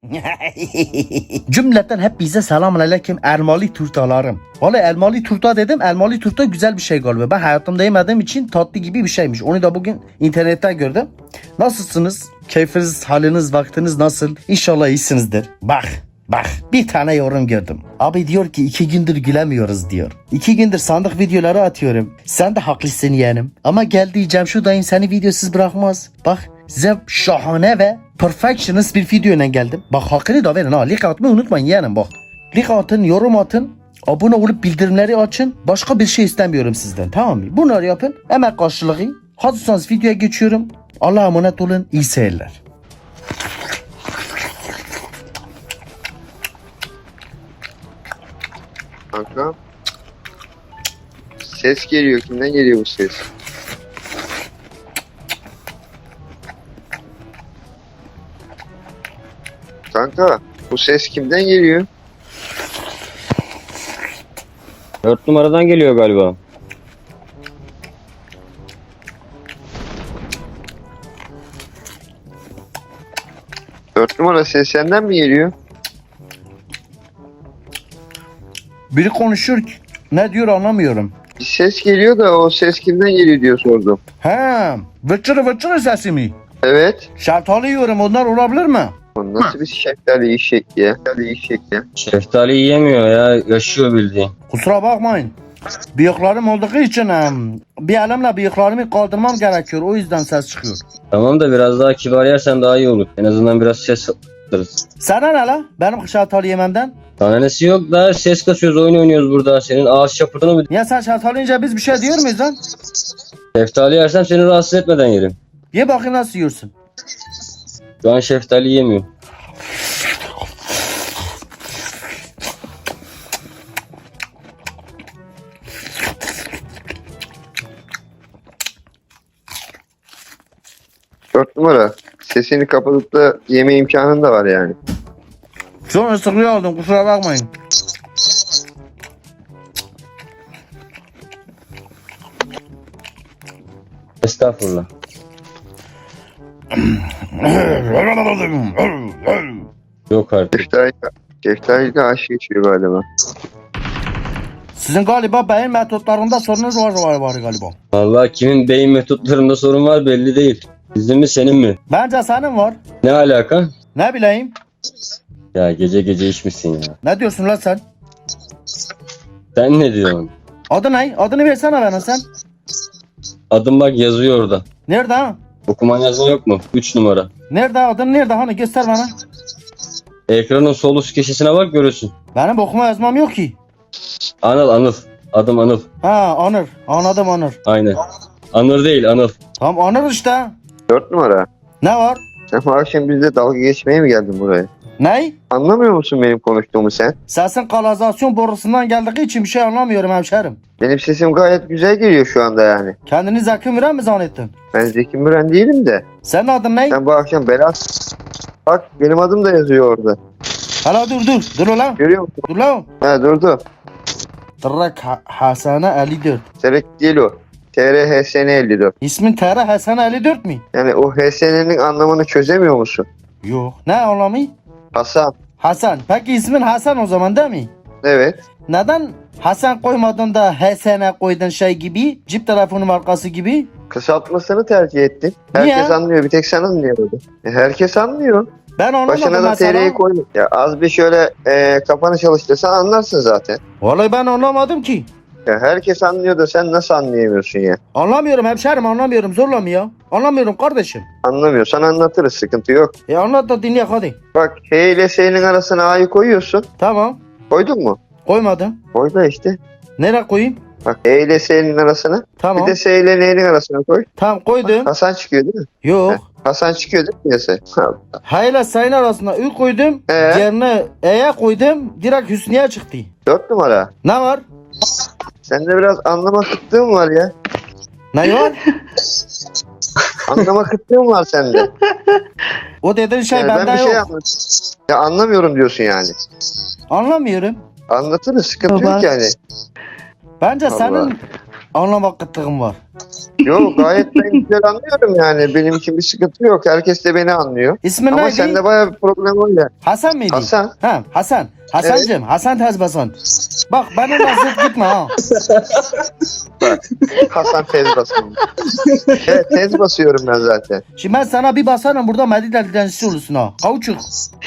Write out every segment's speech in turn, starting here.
Cümleten hepinize selamun aleyküm elmalı turtalarım. Vallahi elmalı turta dedim. Elmalı turta güzel bir şey galiba. Ben hayatımda yemediğim için tatlı gibi bir şeymiş. Onu da bugün internette gördüm. Nasılsınız? Keyfiniz, haliniz, vaktiniz nasıl? İnşallah iyisinizdir. Bak bir tane yorum gördüm. Abi diyor ki 2 gündür gülemiyoruz diyor. 2 gündür sandık videoları atıyorum. Sen de haklısın yeğenim. Ama gel diyeceğim şu dayın seni videosuz bırakmaz. Bak size şahane ve perfectionist bir videoyla geldim. Bak hakkını da verin ha. Like atmayı unutmayın yeğenim bak. Like atın, yorum atın. Abone olup bildirimleri açın. Başka bir şey istemiyorum sizden, tamam mı? Bunları yapın. Emek karşılığı. Hazırsanız videoya geçiyorum. Allah'a emanet olun. İyi seyirler. Kanka. Ses geliyor. Kimden geliyor bu ses? Kanka. Bu ses kimden geliyor? 4 numaradan geliyor galiba. Dört numara ses senden mi geliyor? Biri konuşuyor ki ne diyor anlamıyorum. Bir ses geliyor da o ses kimden geliyor diyor sordum. He, vıçırı sesi mi? Evet. Şeftali yiyorum, onlar olabilir mi? O nasıl bir şeftali eşek ya? Şeftali eşek ya. Şeftali yiyemiyor ya. Yaşıyor bildiğin. Kusura bakmayın. Bıyıklarım olduğu için bir elimle bıyıklarımı kaldırmam gerekiyor. O yüzden ses çıkıyor. Tamam da biraz daha kibar yersen daha iyi olur. En azından biraz ses alırız. Sana ne la? Benim şeftali yememden. Tanesi yok da ses kasıyoruz, oyun oynuyoruz burada. Senin ağız şapırdını bil. Ya sen şeftali yiyince biz bir şey diyor muyuz lan? Şeftali yersem seni rahatsız etmeden yerim. Ye bakayım nasıl yiyorsun. Şu an şeftali yemiyorum. Dört numara. Sesini kapatıp da yeme imkanın da var yani. Son ısırığı aldım, kusura bakmayın. Estağfurullah. Yok artık. Şeftali de aşık geçiyor galiba. Sizin galiba beyin metotlarında sorunuz var galiba. Vallahi kimin beyin metotlarında sorun var belli değil. Bizim mi senin mi? Bence senin var. Ne alaka? Ne bileyim. Ya gece gece içmişsin ya. Ne diyorsun lan sen? Sen ne diyorsun? Adı ne? Adını versene bana sen. Adım bak yazıyor orada. Nerede ha? Okuman yazma yok mu? 3 numara. Nerede adın nerede hani göster bana. Ekranın sol üst köşesine bak görürsün. Benim okuma yazmam yok ki. Anıl. Adım Anıl. Ha Anır. Anladım Anır. Aynen. Anır değil Anıl. Tamam Anır işte. Dört numara. Ne var? Sen bu akşam bizle dalga geçmeye mi geldin buraya? Ne? Anlamıyor musun benim konuştuğumu sen? Sesin kanalizasyon borusundan geldiği için bir şey anlamıyorum hemşerim. Benim sesim gayet güzel geliyor şu anda yani. Kendini Zeki Müren mi zannettin? Ben Zeki Müren değilim de. Senin adın ne? Sen bu akşam belas... Bak benim adım da yazıyor orada. Hala dur. Dur ulan. Görüyor musun? Dur lan. Ha durdu. Tırrak Hasane 54. Serek değil o. TRHSN 54. İsmin TR Hasane 54 mi? Yani o HSN'nin anlamını çözemiyor musun? Yok. Ne anlamı? Hasan. Hasan. Peki ismin Hasan o zaman değil mi? Evet. Neden Hasan koymadın da HSN koydun şey gibi? Cip telefonu markası gibi? Kısaltmasını tercih ettin. Herkes Niye? anlıyor. Bir tek sen anlıyordu. Herkes anlıyor. Ben anlamadım Başına da mesela. TR'yi koy. Ya az bir şöyle kafanı çalıştırsan anlarsın zaten. Vallahi ben anlamadım ki. Ya herkes anlıyor da sen nasıl anlayamıyorsun ya? Anlamıyorum hemşerim anlamıyorum zorla mı ya? Anlamıyorum kardeşim. Anlamıyorsan anlatırız. Sıkıntı yok. Anlat da dinleyek hadi. Bak H ile S'nin arasına A'yı koyuyorsun. Tamam. Koydun mu? Koymadım. Koy da işte. Nereye koyayım? Bak H ile S'nin arasına. Tamam. Bir de S ile N'nin arasına koy. Tamam koydum. Hasan çıkıyor değil mi? Yok. Hasan çıkıyor değil mi piyasaya? Hayla sayın arasında Ü koydum. Yerine E'ye koydum. Direkt Hüsniye çıktı. 4 numara. Ne var? Sende biraz anlama kıtlığın var ya. Ne var? Anlama kıtlığın var sende. O dediğin şey Yani bende ben bir yok. şey ya anlamıyorum diyorsun yani. Anlamıyorum. Anlatırız sıkıntı yok yani. Bence Allah. senin Anlamak kıtlığım var. Yok gayet ben güzel anlıyorum yani. Benim için bir sıkıntı yok. Herkes de beni anlıyor. İsmin Ama neydi? sende bayağı bir problem var ya. Hasan mıydı? Hasan. Ha, Hasan. Hasancığım, Hasan Tezbasan. Bak bana lazzet gitme ha. Hasan tez basıyorum. Evet tez basıyorum ben zaten. Şimdi ben sana bir basarım burada Medine dilencisi olursun ha. Kavuçuk.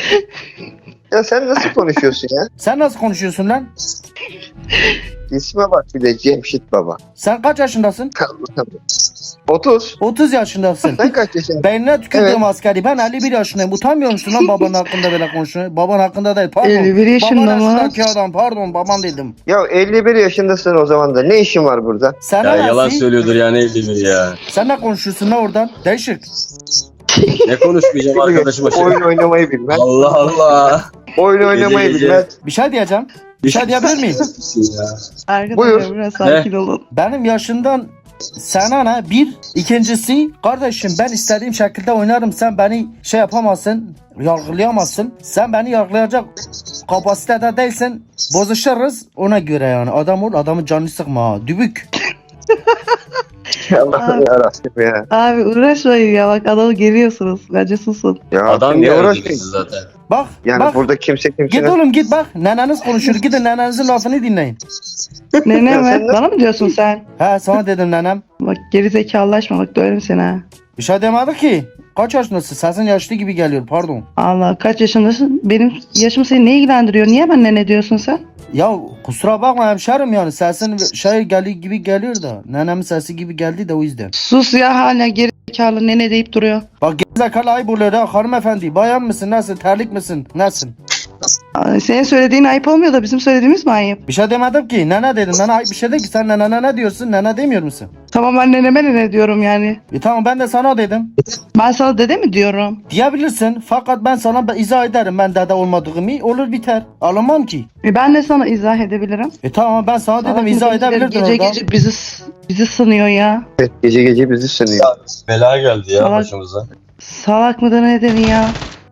Ya sen nasıl konuşuyorsun ya? Sen nasıl konuşuyorsun lan? İsme bak bir de Cemşit Baba. Sen kaç yaşındasın? 30. 30 yaşındasın. Sen kaç yaşındasın? Beynine tükürdüğüm Evet. askeri. Ben 51 yaşındayım. Utanmıyor musun lan babanın hakkında böyle konuşuyor? Baban hakkında değil. Pardon. 51 yaşında Baban mı? yaşındaki adam. Pardon baban dedim. Ya 51 yaşındasın o zaman da. Ne işin var burada? Sen Ya ne yalan nasıl? söylüyordur ya ne evlenir ya. Sen ne konuşuyorsun lan oradan? Değişik. Ne konuşmayacağım arkadaşıma şey. Oyun oynamayı bilmez. Allah Allah. Oyun oynamayı gece. bilmez. Bir şey diyeceğim. Bir şey diyebilir miyim? Ya. Arkadaşlar Buyur. biraz sakin olun. Benim yaşından sana ne? Bir. İkincisi kardeşim ben istediğim şekilde oynarım. Sen beni şey yapamazsın. Yargılayamazsın. Sen beni yargılayacak kapasitede değilsin. Bozuşuruz ona göre yani. Adam ol adamın canını sıkma ha. Dübük. Allah'ım yarabbim ya. Abi uğraşmayın ya bak adamı geriyorsunuz. Bence susun. Ya Adam ne geldi uğraşıyorsun? zaten. Bak Yani bak. burada kimse Git kimsenin... oğlum git bak. Neneniz konuşur. Gidin nenenizin lafını dinleyin. Nene Ya sen mi? ne- Bana mı diyorsun sen? He sana dedim nenem. Bak geri zekalılaşma bak döverim seni ha. Bir şey demedi ki. Kaç yaşındasın? Sesin yaşlı gibi geliyor pardon. Allah kaç yaşındasın? Benim yaşım seni ne ilgilendiriyor? Niye ben nene diyorsun sen? Ya kusura bakma hemşerim yani sesin şey geliyor gibi geliyor da. Nenemin sesi gibi geldi de o yüzden. Sus ya hala geri zekalı nene deyip duruyor. Bak gerizekalı ayıp oluyor ha hanımefendi. Bayan mısın? Nasıl? Terlik misin? Nasılsın? Ay, senin söylediğin ayıp olmuyor da bizim söylediğimiz mi ayıp? Bir şey demedim ki. Nene dedim. Nene ayıp bir şey değil ki. Sen nene ne diyorsun? Nene demiyor musun? Tamam ben neneme nene diyorum yani. Tamam ben de sana dedim. Ben sana dede mi diyorum? Diyebilirsin. Fakat ben sana izah ederim. Ben dede olmadığımı. Olur biter. Alınmam ki. Ben de sana izah edebilirim. Tamam ben sana dedim. Salak izah mıdır? edebilirdin Gece orada. gece bizi sınıyor ya. Evet, gece gece bizi sınıyor. Bela geldi ya Salak. başımıza. Salak mıdır nedir ya?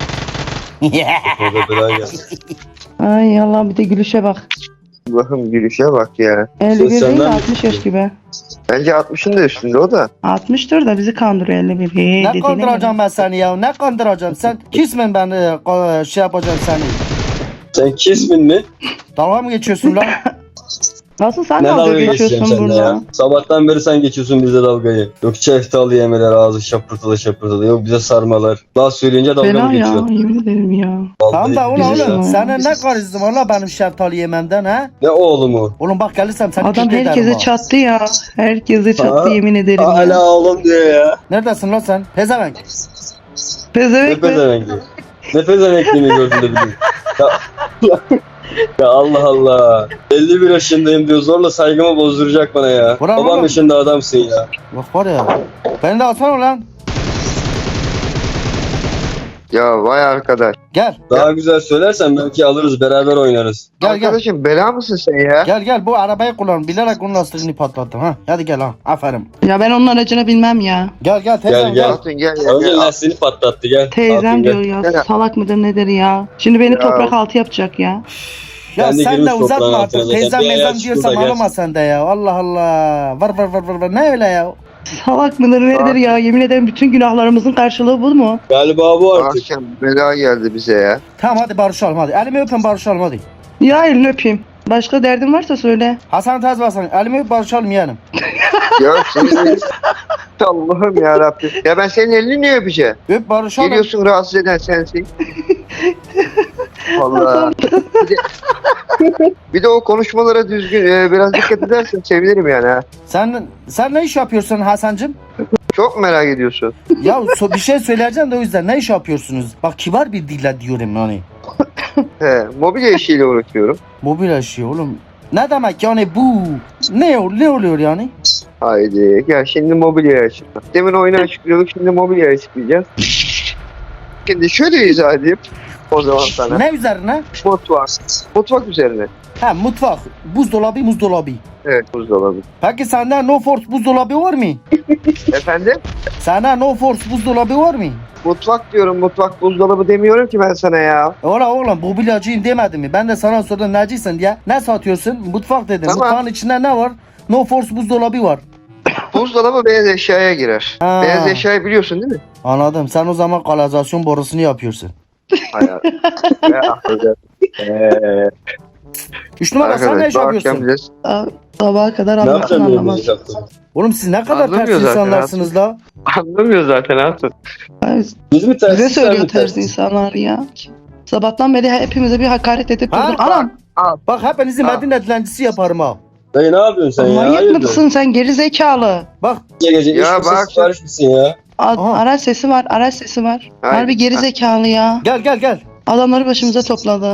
Burada bela geldi. Ay Allah bir de gülüşe bak. Allah'ım gülüşe bak ya. 51 değil de senden 60 yaş gibi. Bence 60'ın da üstünde o da. 60'tır da bizi kandırıyor 51. Hey, Ne dediğine kandıracağım göre. ben seni ya? Ne kandıracağım? Sen kismin ben şey yapacağım seni. Sen kismin mi? Dalga mı geçiyorsun lan? Nasıl sen Ne dalga dalga geçeceğim geçiyorsun seninle burada? ya? Sabahtan beri sen geçiyorsun bize dalgayı. Yok çeftalı yemeler ağzı şapırtılı şapırtılı. Yok bize sarmalar. Daha söyleyince dalga Fena mı ya geçiyorsun? yemin ederim ya. Tamam da Vallahi oğlum billahi oğlum. ya. Senin ne karizm var la benim şeftali yememden ha? Ne oğlum o? Oğlum bak gelirsem seni Adam kürt ederim herkese ha. çattı ya. Herkese çattı Aa, yemin ederim ya. Hala oğlum diyor ya. Neredesin lan sen? Pezevenk. Ne Pezevenk mi? pezevenkli. Ne pezevenkliğini gördün de bileyim. Ya Allah Allah. 51 yaşındayım diyor zorla saygımı bozduracak bana ya. Bravo Babam oğlum. yaşında adamsın ya. Bak var ya. Beni de alsana lan. Ya vay arkadaş. Gel. Daha güzel söylersen belki alırız beraber oynarız. Gel gel. Arkadaşım bela mısın sen ya? Gel gel bu arabayı kullan. Bilerek onun lastiğini patlattım ha. Hadi gel ha. Aferin. Ya ben onun aracını bilmem ya. Gel gel teyzem Gel, gel. gel. Hatun gel ya. Önce gel. lastiğini patlattı gel. Teyzem Hatun gel. diyor ya. Gel. Salak mıdır nedir ya? Şimdi beni Ya. toprak altı yapacak ya. Ya Ben de sen girmiş de uzatma toprağın artık. altına zaten. Teyzem Bir ayağı mezem çıktı diyorsam da gel. ağlama sen de ya. Allah Allah. Var. Ne öyle ya? Salak mıdır nedir ya? Yemin ederim bütün günahlarımızın karşılığı bu mu? Galiba bu artık. Akşam bela geldi bize ya. Tamam hadi barışalım hadi. Elimi öpün barışalım hadi. Ya elini öpeyim. Başka derdin varsa söyle. Hasan Tez basan. Elimi öp barışalım yeğenim. Ya senin Allah'ım ya Rabbim. Ya ben senin elini niye öpeceğim? Öp barışalım. Geliyorsun rahatsız eden sensin. Allah. Bir de o konuşmalara düzgün biraz dikkat edersen sevinirim yani ha. Sen ne iş yapıyorsun Hasancığım? Çok merak ediyorsun. Ya bir şey söyleyeceğim de o yüzden ne iş yapıyorsunuz? Bak kibar bir dille diyorum yani. He, mobilya işiyle uğraşıyorum. Mobil işi oğlum. Ne demek yani bu? Ne oluyor yani? Haydi gel şimdi mobilya açıkla. Demin oyunu açıklıyorduk şimdi mobilya açıklayacağız. Şimdi şöyle izah edeyim. O zaman sana. Ne üzerine? Mutfak. Mutfak üzerine. Ha mutfak. Buzdolabı. Evet buzdolabı. Peki sende No Force buzdolabı var mı? Efendim? Sende No Force buzdolabı var mı? Mutfak diyorum mutfak buzdolabı demiyorum ki ben sana ya. Oğlum mobilyacıyım demedim mi? Ben de sana sordum necisin diye. Ne satıyorsun? Mutfak dedim. Tamam. Mutfağın içinde ne var? No Force buzdolabı var. Buzdolabı beyaz eşyaya girer. Ha. Beyaz eşyayı biliyorsun değil mi? Anladım. Sen o zaman kanalizasyon borusunu yapıyorsun. Hayır. 3 numara sen ne iş yapıyorsun? Sabaha kadar Ne anlatın yapacaksın anlamaz. benim yaptığımı? Oğlum siz ne kadar Anlamıyor ters zaten insanlarsınız la. Anlamıyor zaten Hasan. Ay, Biz mi ters? bize sen mi söylüyor ters? terzi insanlar ya. Sabahtan beri hepimize bir hakaret edip Ha, durdun. Anam Bak hepinizi Ha. Medine dilencisi yaparım ha. Dayı ne yapıyorsun sen ya? manyak Hayırdır? mısın sen geri zekalı? Bak Gece Ya iş misin bak- sipariş misin ya? Aha. Araç sesi var, araç sesi var. Hayır. Harbi geri zekalı ya. gel. Adamları başımıza topladı.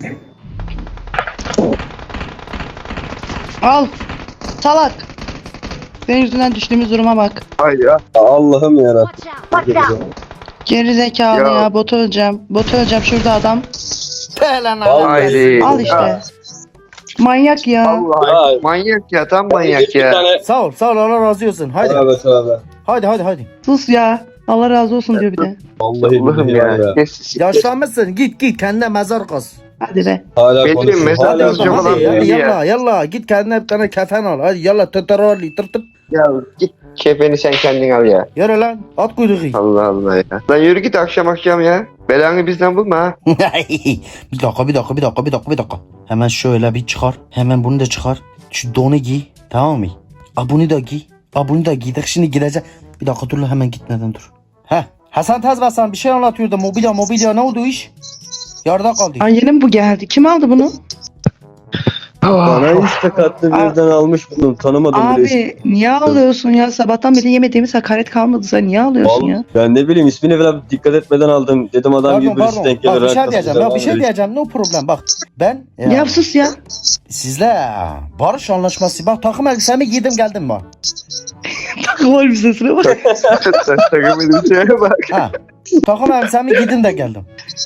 Al. Salak. Senin yüzünden düştüğümüz duruma bak. Hayır ya. Allah'ım yarabbim. Watch out! Geri zekalı Ya. ya. Botu öleceğim. Botu öleceğim şurada adam. Pelen Haydi. Al işte. Manyak ya. Allah. Ya. Manyak ya, tam manyak Bir ya. tane. Sağ ol Allah razı olsun. Haydi. Tövbe. Haydi. Sus ya. Allah razı olsun diyor bir de. Vallahi Allah'ım billahi ya. ya. Kes. Yaşlanmışsın git kendine mezar kaz. Hadi be. Hala Benim konuşuyor. mesela Hala yazıcı konuşuyor. olan Hadi belli ya. yalla git kendine bir tane kefen al. Hadi yalla tırtırali tırtır. Ya git kefeni sen kendin al ya. Yürü lan at kuyruğu. Allah Allah ya. Lan yürü git akşam ya. Belanı bizden bulma ha. bir dakika. Hemen şöyle bir çıkar. Hemen bunu da çıkar. Şu donu giy. Tamam mı? Bunu da giy. Bunu da giydik. Şimdi gidecek. Bir dakika dur lan hemen gitmeden dur. Heh. Hasan Tezbasan bir şey anlatıyordu. Mobilya ne oldu iş? Yarıda kaldı. Ay yeni mi bu geldi? Kim aldı bunu? Bana işte katlı birden almış bunu. Tanımadım bile. Abi niye alıyorsun ya? Sabahtan beri yemediğimiz hakaret kalmadı. Sen niye alıyorsun ya? Ben ne bileyim ismini falan dikkat etmeden aldım. Dedim adam gibi birisi denk gelir. Bak bir şey arkasından diyeceğim. Ya bir şey alır. diyeceğim. No problem. Bak ben Ya sus ya. sizle barış anlaşması. Bak takım elbisemi giydim geldim bak. Takım elbisesine bak. Sen sakın benim şeye bak. Ha. Takım elbisemi giydim de geldim.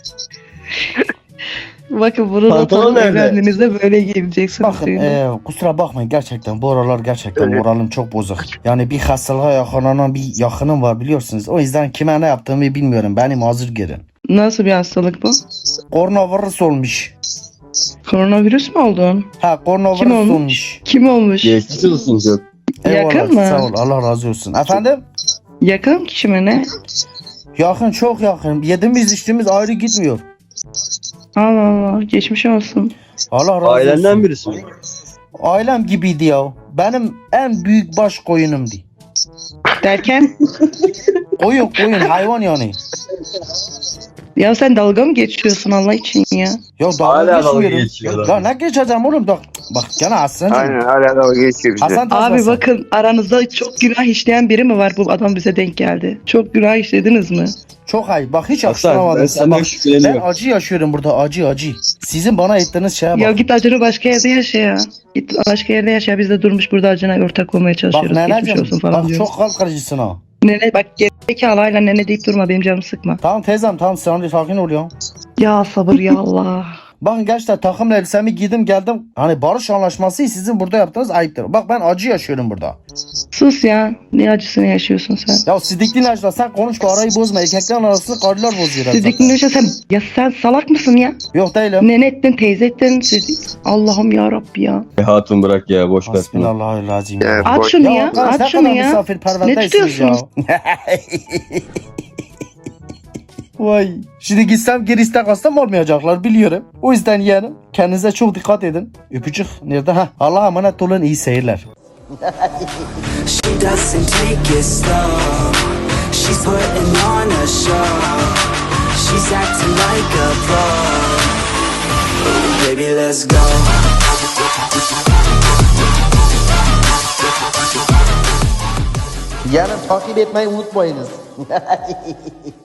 Bakın bunu da Pantolon tam nerede? evlendiğinizde böyle giyeceksiniz. Bakın diyor. kusura bakmayın gerçekten bu aralar gerçekten Evet. moralim çok bozuk. Yani bir hastalığa yakalanan bir yakınım var biliyorsunuz. O yüzden kime ne yaptığımı bilmiyorum. Beni mazur görün. Nasıl bir hastalık bu? Koronavirüs olmuş. Koronavirüs mü oldun? Ha koronavirüs Kim olmuş? olmuş. Kim olmuş? Geçmiş olsun çok. Eyvallah, Yakın mı? Sağ ol Allah razı olsun. Efendim? Yakın kişi mi ne? Yakın çok yakın. Yediğimiz içtiğimiz ayrı gitmiyor. Allah Allah. Geçmiş olsun. Allah razı Ailenden olsun. birisi mi? Ailem gibiydi ya. Benim en büyük baş koyunumdu. Derken? Koyun hayvan yani. Ya sen dalga mı geçiyorsun Allah için ya? Ya Hala dalga dalga geçmiyorum. geçiyorlar. Ya ne geçeceğim oğlum? Bak gene Aslı'cığım. Aynen hala dalga geçiyor bize. Hasan Abi Tezbasan. bakın aranızda çok günah işleyen biri mi var bu adam bize denk geldi? Çok günah işlediniz mi? Çok ayıp. Bak hiç Hasan ben yakıştıramadım size. senden Bak, şüpheleniyorum. ben acı yaşıyorum burada acı. Sizin bana ettiğiniz şeye bak. Ya git acını başka yerde yaşa ya. Git başka yerde yaşa. Biz de durmuş burada acına ortak olmaya Bak çalışıyoruz. Geçmiş neneciğim. olsun falan Bak diyoruz. çok kalp kırıcısın ha. Nene bak gerizekalı hala nene deyip durma benim canımı sıkma. Tamam teyzem tamam sen de sakin ol ya. Ya sabır ya Allah. Bakın gerçekten takım elbisemi giydim geldim. Hani barış anlaşması sizin burada yaptığınız ayıptır. Bak ben acı yaşıyorum burada. Sus ya. Ne acısını yaşıyorsun sen? Ya sidikli Necla sen konuşma arayı bozma. Erkeklerin arasını karılar bozuyor. Sidik'in yaşa sen. Ya sen salak mısın ya? Yok değilim. Nene ettin teyze ettin. Allah'ım ya Rabbi ya. Hatun bırak ya boş ver. şunu. Hasbinallahülazim. Ya, At boş- şunu ya. arkadaş, At ne şunu kadar ya. misafirperverdeysiniz Ne tutuyorsunuz? ya. Vay. Şimdi gitsem geri istek hastam olmayacaklar biliyorum. O yüzden yeğenim kendinize çok dikkat edin. Öpücük nerede? Ha. Allah'a emanet olun iyi seyirler. She doesn't take it slow. She's putting on a show. She's acting like a pro. Ooh, baby, let's go. Yarın takip etmeyi unutmayınız.